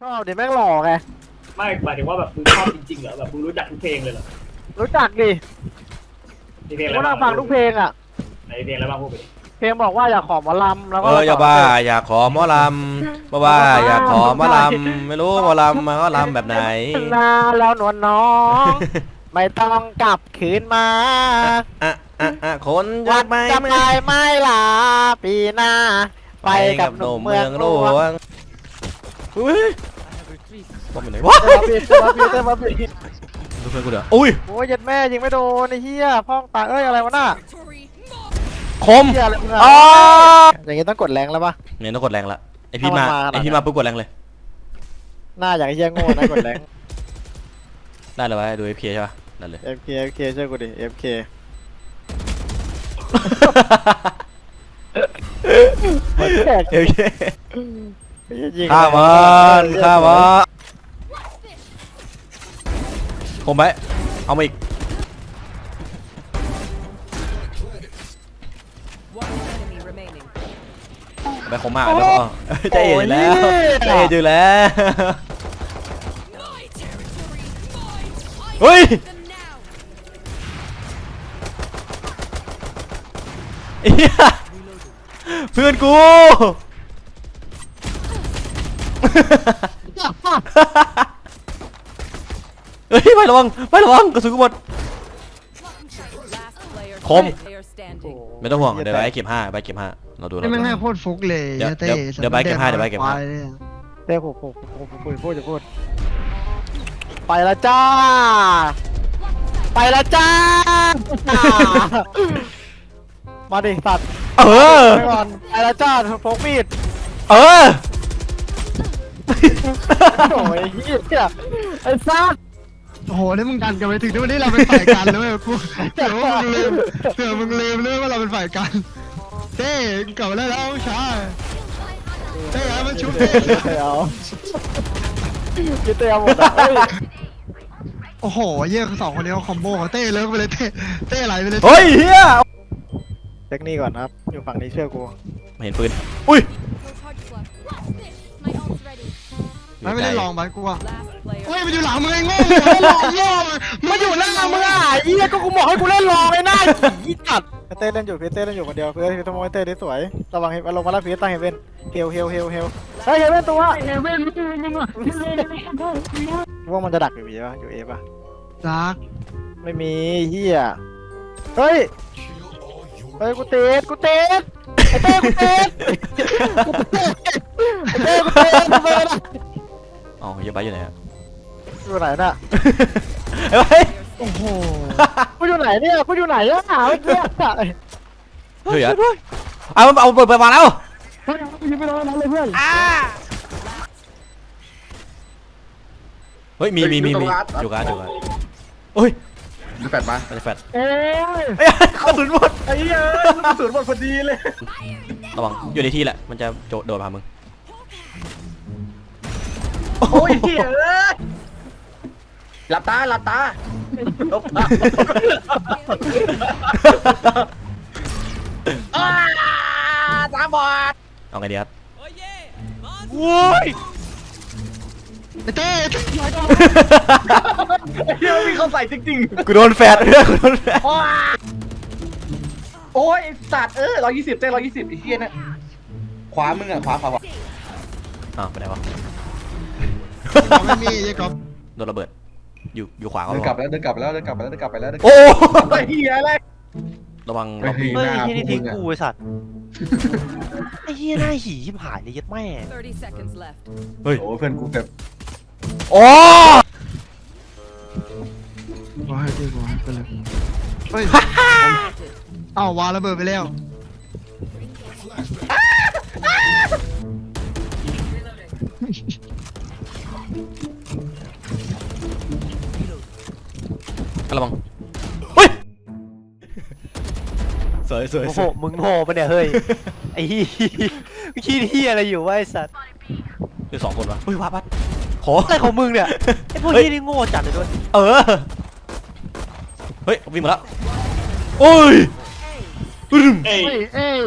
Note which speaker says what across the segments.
Speaker 1: ชอบเดี๋ยวแม่งหล่อไง
Speaker 2: ไม่หมายถึงว่าแบบมึงชอบจริงๆเหรอแบบมึงรู้จักทุกเพลงเลยเหรอ
Speaker 1: รู้จักดิ
Speaker 2: มีเพลงอะไร
Speaker 1: ก็นั่
Speaker 2: บ้าง ง
Speaker 1: ฟังทุกเพลงอ่ะ
Speaker 2: ไหนเพลงอะไรบ้างพูดไปดิ
Speaker 1: เพลงบอกว่าอยากขอหมอลำแล้วก็
Speaker 3: อย่าบ้าอยากขอหมอลำบ้าอยากขอหมอลำไม่รู้หมอลำมันก็ลำแบบไหน
Speaker 1: นาแล้วนวลน้องไม่ต้องกลับคืนมา
Speaker 3: คน
Speaker 1: วั
Speaker 3: จะ
Speaker 1: น
Speaker 3: ไป
Speaker 1: จะไปไม่ลาปีหน้าไปกับหนุ่มเมืองหลวง
Speaker 3: อุ้ยต้องไปไหนวะ
Speaker 1: เต้มาปี
Speaker 3: ดูเพื่อนกูเดี๋ยวอุ้ย
Speaker 1: โอ้ยยัดแม่ยิงไม่โดนไอ้เหี้ยพ่องตาเอ้ยอะไรวะน่ะ
Speaker 3: คม
Speaker 1: เหี้ยอะไรมึงอะ
Speaker 3: อ๋อ
Speaker 1: อย่างงี้ต้องกดแรงแล้วปะ
Speaker 3: เนี่ยต้องกดแรงละไอพี่มาปุ๊บกดแรงเลย
Speaker 1: หน้าอย่างเหี้ยโง่นะกดแรง
Speaker 3: ได้เลยวะดู FK ใช่ปะได้เลย
Speaker 1: FK ช่วยกูดิ FK
Speaker 3: โอเค
Speaker 1: ยิง
Speaker 3: ฆ่ามันคมไปเอามาอีกไปคมมากแล้วใจเย็นแล้วใจเย็นอยู่แล้วเฮ้ยเพื่อนกูเฮ้ยไประวังกระสุนกูหมดคมไม่ต้องห่วงเดี๋ยวไปเก็บ5เราดู
Speaker 4: นี่มันให้โคตรฟุกเลย
Speaker 3: เดี๋ยวไปเก็บ5
Speaker 1: เต้ผมพูดไปแล้วจ้ามาดิสัตว์ไปก่อนไปแล้วจ้าพกมีดโอ้ยเหี้ยไอ้ซัก
Speaker 4: โอ้โหนี่มึงดันกันไปถึงที่วันนี้เราเป็นฝ่ายกันแล้วเว้ยกูเดี๋ยวมึงลืมเลยว่าเราเป็นฝ่ายกันเต้เก่าแล้วช้าเต้มันชุบเต้
Speaker 1: เอาคิดเต้หมดอ่ะ
Speaker 4: โอ้โหเยี่ยสองคนนี้เขาคอมโบเต้เลิกไปเลยเต้ไหลไปเลย
Speaker 3: เฮ้ยเฮีย
Speaker 1: เทคนิคก่อนครับอยู่ฝั่งนี้เชื่อกู
Speaker 3: ไม่เห็นปืนอุ้ย
Speaker 4: ไม่ได้ลองไปกูอ่ะเฮ้ยมันอยู่หลังมึงไอ้โง่
Speaker 1: มันอยู่หน้ามึงอ่ะยี่ก็กูบอกให้กูเล่นรอไอ้หน้ายี่จัดเต้เล่นอยู่เต้เล่นอยู่คนเดียวเพื่อนทำไมเต้ได้สวยระวังลงมาแล้วพีตั้งเฮเว่นเฮลเฮ้ยเฮเว่นตัวว่ามันจะดักอยู่บีป่ะอยู่เอป่ะ
Speaker 4: ดัก
Speaker 1: ไม่มีเฮียเฮ้ยกูเตะไอ้เต้กูเตะ
Speaker 3: อ๋อยังไปอยู่ไหนฮะ
Speaker 1: อยู่ไหนน่ะ
Speaker 3: เฮ้ย
Speaker 4: โอ้โห
Speaker 1: กูอยู่ไหนเนี่ยกูอยู่ไหนอะหาเมื่อกี้
Speaker 3: เฮ้ยเอาเปิดมาแล้ว
Speaker 1: ยิงไปโดนนั้นเลยเพื่อน
Speaker 3: เฮ้ยมีอยู่กันโอ้ย
Speaker 5: แฟดมา
Speaker 3: แฟด
Speaker 1: เอ้ย
Speaker 3: กระสุนหมด
Speaker 1: ไอ้เหี้ยกระสุนหมดพอดีเลย
Speaker 3: ระวังอยู่ในที่แหละมันจะโดดพามึง
Speaker 1: โอ้ยเหี้ย
Speaker 5: หลับตาตาบอด
Speaker 3: เอาไงดีครับ
Speaker 1: โว้ย
Speaker 4: เต้
Speaker 5: เฮียมีเขาใส่จริง
Speaker 3: ๆกูโดนแฟด
Speaker 5: โอ้ยสัตว์120เต้120ไอ้เฮียเนี่ยขวามึงอ่ะขวา
Speaker 3: อ้าวไปไหนวะ
Speaker 4: ไม่มียังกบ
Speaker 3: โดนระเบิดอยู่ขวาก็
Speaker 5: เดินกลับแล้ว
Speaker 3: โอ้
Speaker 5: ยเฮียอะไร
Speaker 3: ระวัง
Speaker 1: เฮ้ยที่นี่ทิ้งกูไอ้สัตว์ไอ้เหี้ยหน้าหีชิบหายเลยยัดแม่
Speaker 3: เฮ้ย
Speaker 5: โอ้เพื่อนกูแบบ
Speaker 3: โอ้
Speaker 4: ว้ายดีกว่าไปเลยเฮ้ยอ้าววางระเบิดไปแล้ว
Speaker 3: ระวังเฮ้ยสวย
Speaker 1: โอ้โหมึงโง่ปะเนี่ยเฮ้ยไอ้ขี้เหี้ยอะไรอยู่วะไอ้สัตว์
Speaker 3: คือ2คนวะเฮ้ยวัดขอ
Speaker 1: อะไรของมึงเนี่ยไอ้พวกนี้นี่โง่จัดเลยด้วย
Speaker 3: เฮ้ยวิ่งมาแล้วโอ้ย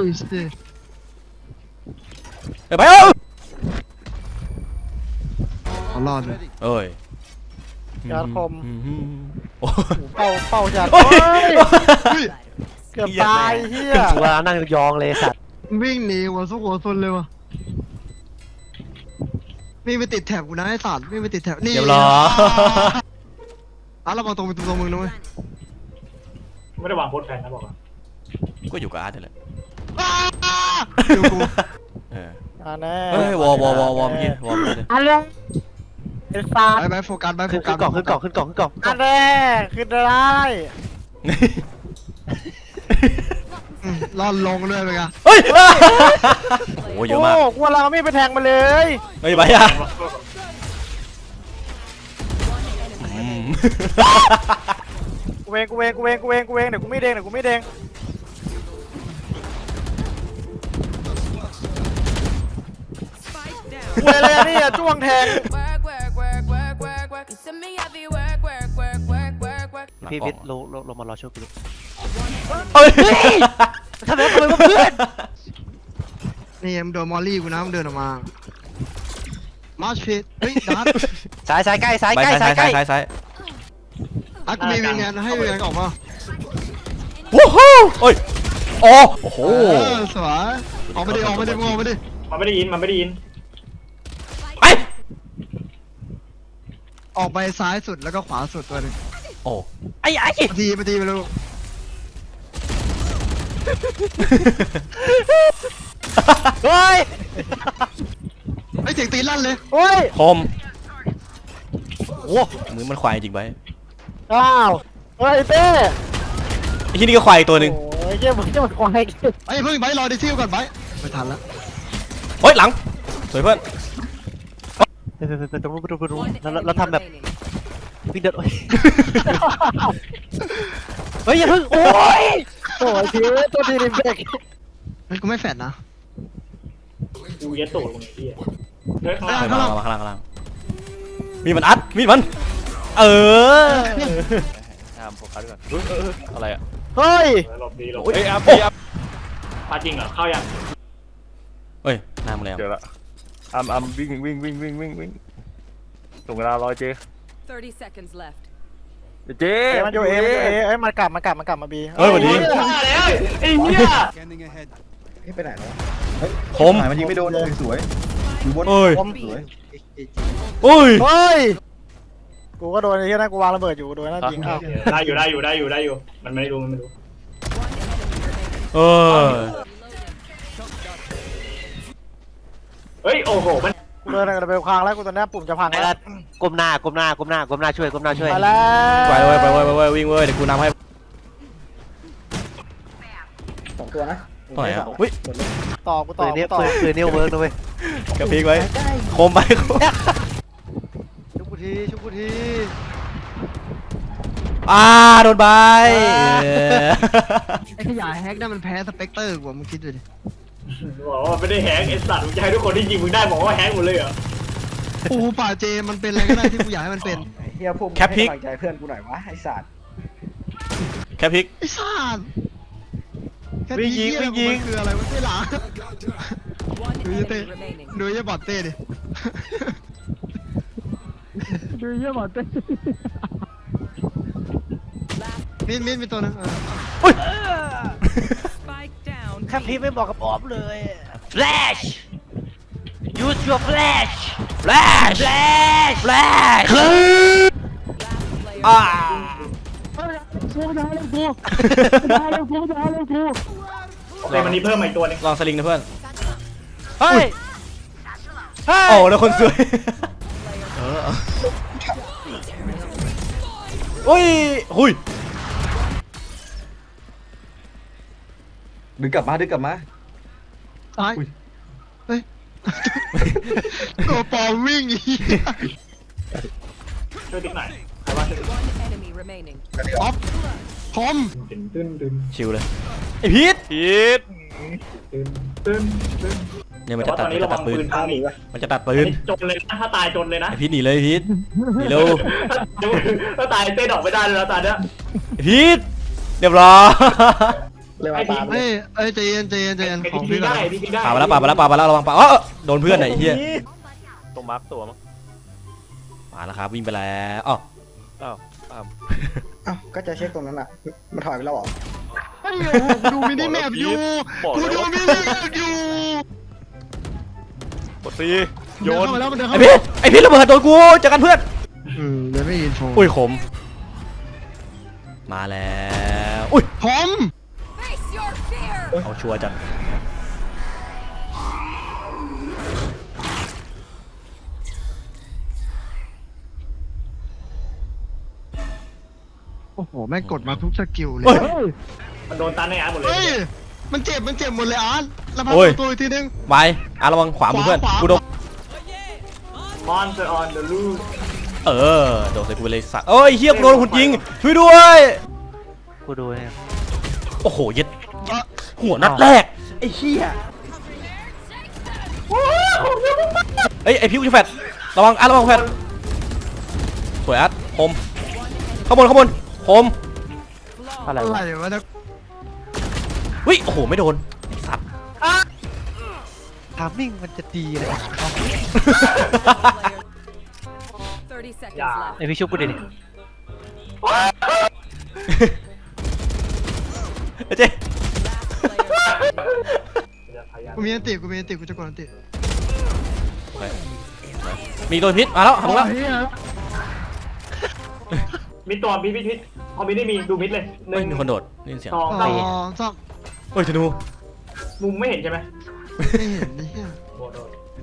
Speaker 4: ไปขอรอดเลย
Speaker 3: เอ้ย
Speaker 1: ยอดคม
Speaker 3: โอ้
Speaker 1: เป้าจัด
Speaker 3: โอ้ย
Speaker 1: เกือบตายเฮีย
Speaker 6: กูว่านั่งยองเลยสัตว์
Speaker 4: วิ่งหนีหัวซุกหัวซนเลยวะวิ่งไปติดแถบกูนะไอ้สัตว์วิ่งไปติดแถบนี่
Speaker 3: เดี๋ยวรอ
Speaker 4: เรามาตรงไปตรงมึงนะเว้ย
Speaker 2: ไม่ได้วางโพสต์แผนนะบอกว่า
Speaker 3: ก็อยู่กับอาร์ตนี่แหละ
Speaker 4: ดูกู
Speaker 3: เออ
Speaker 1: แน่
Speaker 3: เฮ้ยวอเมื่อกี้วอเมื่อกี้
Speaker 1: อะไรไอ้สัตว์
Speaker 4: ไปโฟกัสไปโฟ
Speaker 6: ขึ้น
Speaker 4: กัส
Speaker 6: กล่องขึ้นกล่องขึ้นกล่องขึ้นกล่อง
Speaker 1: อันแรกขึ้นได้
Speaker 4: รอดลงด้วยไปกัน
Speaker 3: เฮ้ยโอ้โหเยอะมาก
Speaker 1: โอ้กูเราไม่ไปแทงมาเลย
Speaker 3: เฮ้ยไปอ่ะอืม
Speaker 1: กูเองเดี๋ยวกูไม่เด้งกูอะไรนี่อะจ้วงแทง
Speaker 6: พี่พิษลงมารอช่วยกู
Speaker 3: เฮ้ย
Speaker 6: ทำไมกูเป็นเพื่อน
Speaker 4: นี่มึงโดนมอลลี่กูนะมึงเดินออกมามาร์ชพิทเฮ้ยดัด
Speaker 6: สายใกล้สาย
Speaker 3: ไป
Speaker 6: ใกล้
Speaker 3: ซ้า
Speaker 6: สาย ยใกล้
Speaker 3: ซ้าย
Speaker 4: อ่ะกูมีวิงแงนให้วิงแงนออกมา
Speaker 3: วู้ฮู้เฮ้ยโอ้โห
Speaker 4: สวยออกมาดิมึงออกมาดิ
Speaker 2: มันไม่ได้ยิน
Speaker 3: ไป
Speaker 4: ออกไปซ้ายสุดแล้วก็ขวาสุดตัวนึง
Speaker 3: โอ้
Speaker 6: ไอ้
Speaker 4: มาทีไปลูก
Speaker 6: เฮ้ย
Speaker 4: ไอ้เสียงตีลั่นเลย
Speaker 1: โอ้ย
Speaker 3: คมโอ้มือมันควายจริงไป
Speaker 1: อ้าวเฮ้ยเต้
Speaker 3: ไอ้ที่นี่ก็ควายอีกตัวหนึ่ง
Speaker 1: โอ้ยเจ้ามึงจะมาควาย
Speaker 4: ไอ้เพิ่งไปรอดิซิลก่อนไปไม่ทันแล้ว
Speaker 3: เฮ้ยหลังสวยเพื่อน
Speaker 6: ไปตรงนู้นเราทำแบบวิ่งเดินเฮ้ยอย่าเพิ่งโอ้ย
Speaker 1: โอ้ยชีวิตตัวดีริมเบก
Speaker 4: มันกูไม่แฟดนะ
Speaker 2: กูเย็ดตูดมึงไอ้เหี้ยเฮ้ยข้างล่าง
Speaker 3: ข้างล่างมีมันอัดมีมันเออโฟกัสก่อนอะไรอ่ะ
Speaker 1: เฮ้ย
Speaker 2: หลบดีหลบ
Speaker 3: เฮ้ย
Speaker 2: ปาจริงเหรอเข้ายัง
Speaker 3: เฮ้ยหน้ามึงแล้ว
Speaker 7: เจอละวิ่งส่งเวลารอเจ
Speaker 8: 30 seconds left.
Speaker 7: เจ
Speaker 1: มันอยู่เอเอ้ยมันกลับมาบี
Speaker 3: เฮ้ยวันนี้
Speaker 2: มาแล้วไอ้เหี้ย
Speaker 9: ไปไหนแล้ว
Speaker 3: คม
Speaker 9: มันยิงไม่โดนสวยอยู่บน
Speaker 3: เอ้ย
Speaker 9: สวย
Speaker 3: เอ้ย
Speaker 1: เฮ้ยกูก็โดนไอ้ที่นั่นกูวางระเบิดอยู่โดนนั่นยิงอ้าว
Speaker 2: ได้อยู่ มันไม่รู้
Speaker 3: เออ
Speaker 2: เฮ้ยโอ้โหมัน
Speaker 1: กูเดินระเบิดพังแล้วกูตอนนี้ปุ่มจะพัง
Speaker 6: ไอ้
Speaker 1: แล้
Speaker 6: ละ
Speaker 1: ว
Speaker 6: ก้มหน้าช่วย
Speaker 1: ไปแล้ว
Speaker 3: ไปวิ่งเว้ยเดี๋ยวกูนำให้
Speaker 9: 2 ตัวนะ
Speaker 3: ตรงไหนอ่ะอุ้ย
Speaker 1: ต่อกูต่
Speaker 6: ปื
Speaker 1: อน
Speaker 6: นี้
Speaker 1: ต่อ
Speaker 6: ปืนนี้เวิร์กนะเว้ย
Speaker 3: กระพริกไว้คมไป
Speaker 6: ชุบกูที
Speaker 3: โดนใบ
Speaker 4: ไอ้ขยายแฮกนั่นมันแพ้สเปกเตอร์กว่ามึงคิดดูดิ
Speaker 2: บอกว่าไม่ได้แฮกไอ้สัตว์มึงจะให้ทุกคนที่ยิงมึงได้บอกว่าแฮกหมดเลยเหรอ
Speaker 4: ปูป่าเจมันเป็นอะไรก็ได้ที่กูอยากให้มันเป็น
Speaker 9: เฮียพวกมึงให้กำลังใจเพื่อนกูหน่อยวะไอ้สัตว์
Speaker 3: แค่พริก
Speaker 4: ไอ้สัตว์แค่นี้เหี้ยมันคืออะไรมันไม่หลา
Speaker 8: One
Speaker 4: Do you
Speaker 8: enemy
Speaker 4: think-
Speaker 8: remaining.
Speaker 4: ดูไอ้บอดเต้ดิดูไอ้บอดเต้มินมีตัวนึง
Speaker 8: Spike down.
Speaker 6: ข้างพี่ไม่บอกกับออฟเลย Flash use your flash
Speaker 3: flash
Speaker 8: Last player.
Speaker 2: เลยมันนี้เพิ่มมาอีกตัวนึง
Speaker 3: ลองสลิงนะเพื่อน
Speaker 6: เฮ้ย
Speaker 3: โอ้แล้วคนสวยอุ้ยหุย
Speaker 9: ดึงกลับมา
Speaker 4: ตายเฮ้ยตัวปลอมวิ่งอี
Speaker 2: ช่วยติ๊กหน่อยใครว่าช่วยติ๊ก
Speaker 8: One enemy remaining.
Speaker 4: ออฟคอม
Speaker 2: ตึ้น
Speaker 3: ชิวเลยไอพีท
Speaker 2: ตึ้น
Speaker 3: เนี่ยมัน
Speaker 2: แต่
Speaker 3: จะ
Speaker 2: ว่าต
Speaker 3: ตั
Speaker 2: อ
Speaker 3: ด
Speaker 2: นนี้
Speaker 3: มัน
Speaker 2: ระ
Speaker 3: จะ
Speaker 2: วั
Speaker 3: ตั
Speaker 2: ง
Speaker 3: ดปื
Speaker 2: ปื
Speaker 3: น
Speaker 2: นพังอีก
Speaker 3: มันจะตัดปืน
Speaker 2: จนเลยนะถ้าตายจนเลยนะ
Speaker 3: ไอพีทหนีเลยพีทหนีเร็ว
Speaker 2: ถ้าตายเต้นออกไม่ได้เลยนะตาเนี้ย
Speaker 3: ไอพีทเรียบร้อย
Speaker 9: เลยมาตาม
Speaker 4: เฮ้ยใจเย็นของ
Speaker 2: พี
Speaker 4: พี่ก่อ
Speaker 2: ได้
Speaker 4: น
Speaker 2: พีได้
Speaker 3: ป่ามาแล้วระวังป่าโดนเพื่อนไหนเฮีย
Speaker 7: ตรงมาร์กตัวมั้ง
Speaker 3: มาแล้วครับวิ่งไปแล้วอ้าว
Speaker 6: อ้าวอ้าว
Speaker 9: อ้าวก็จะเช็คตรงนั้นอ่ะมันถอยไปแล้วเหรอ
Speaker 4: ไอ้โอ้กูดูมินิแมปอยู่กูดูมินิแมปอยู่
Speaker 6: กดซีโย
Speaker 4: เดิน
Speaker 6: น
Speaker 4: เข้ามาแล้วมันเดิน
Speaker 3: ไอ
Speaker 4: เข้ามา
Speaker 3: พีทไอพีทระเบิดโดนกูเจอกันเพื่อน
Speaker 4: เลยไม่อินโฟ
Speaker 3: อุ้ยขมมาแล้วอุ้ย
Speaker 4: ผม
Speaker 8: Face your fear.
Speaker 3: เอาชัวร์จัด
Speaker 4: โอ้โหแม่งกดมาทุกสกิลเลย
Speaker 2: มันโดนตันในอาร์ตหมดเลย
Speaker 4: เฮ้ยมันเจ็บหมดเลยอาร์ตแล้วพักตัวอีกทีนึง
Speaker 3: ไประวังขวามือเพื่อน
Speaker 4: ขวา
Speaker 3: กูโดน
Speaker 2: มอนสเตอร์ออนเดอะลูส
Speaker 3: โดนใส่กูไปเลยสัตว์เอ้ยเฮียกูโดนหุ่นยิงช่วยด้วย
Speaker 6: กูดูเนี่ย
Speaker 3: โอ้โหเย็ดหัวนัดแรกไอ้เฮียเอ้ยไอพิวจะแฟดระวังระวังแฟดสวยคมข้างบนคม
Speaker 6: อะไร
Speaker 4: อะไร
Speaker 6: วะ
Speaker 4: วะนะ
Speaker 3: วิโอ้โหไม่โดนไอ้สัตว์
Speaker 6: ทามมิ่งมันจะดีเลย
Speaker 8: 30 seconds left.
Speaker 6: ไอพี่ชุบกูดิ
Speaker 3: เจ๊
Speaker 4: กูมีอันติกูจะกดอันติ
Speaker 3: มีโดนพิษมาแล้วทำแล้ว
Speaker 4: เฮีย
Speaker 2: มีตัวมีพิษพอมีได้มีดูมิดเลยห
Speaker 3: เฮ้ย
Speaker 2: นึ่ง
Speaker 3: มีคนโดดนี่เสียง
Speaker 2: สอง
Speaker 4: อ๋อ
Speaker 2: สี่
Speaker 4: ซ่อม
Speaker 3: เฮ้ยธนู
Speaker 2: มุมไม่เห็นใช่ไหม
Speaker 4: ไม่เห็นนี่เฮีย
Speaker 2: โอ้โห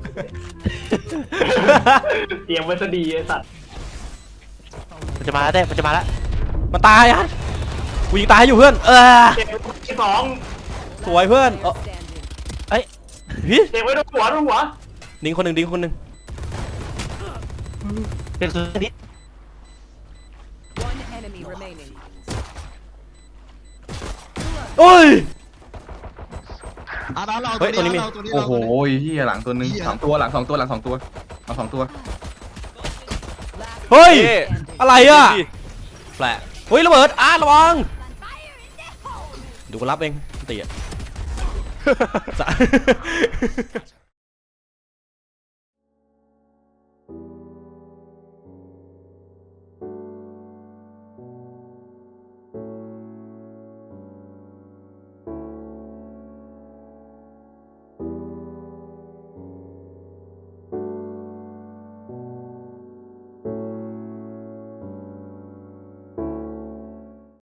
Speaker 2: เตรียมไว้ซะดีไอ้สัตว์
Speaker 6: มันจะมาแล้วเต้มันจะมาแล้ว
Speaker 3: มันตายกูยิงตายอยู่เพื่อน
Speaker 2: เจ็บที่สอง
Speaker 3: สวยเพื่อนพิษ
Speaker 2: เจ็บไว้ดูหัว
Speaker 3: ดิงคนหนึ่ง
Speaker 6: เป็นสุดนิด
Speaker 8: One enemy remaining.
Speaker 3: โอ้ย
Speaker 4: อาร์ตเรา
Speaker 3: เฮ้ยตัวนี้มี
Speaker 4: ตัวนี้
Speaker 9: โอ้
Speaker 4: เรา
Speaker 9: โหเฮียหลังตัวนึงสองตัวหลังสองตัวเอาสองตัว
Speaker 3: เฮ้ยอะไรอ่ะแฝงเฮ้ยระเบิดระวังดูกูรับเองตีอ่ะ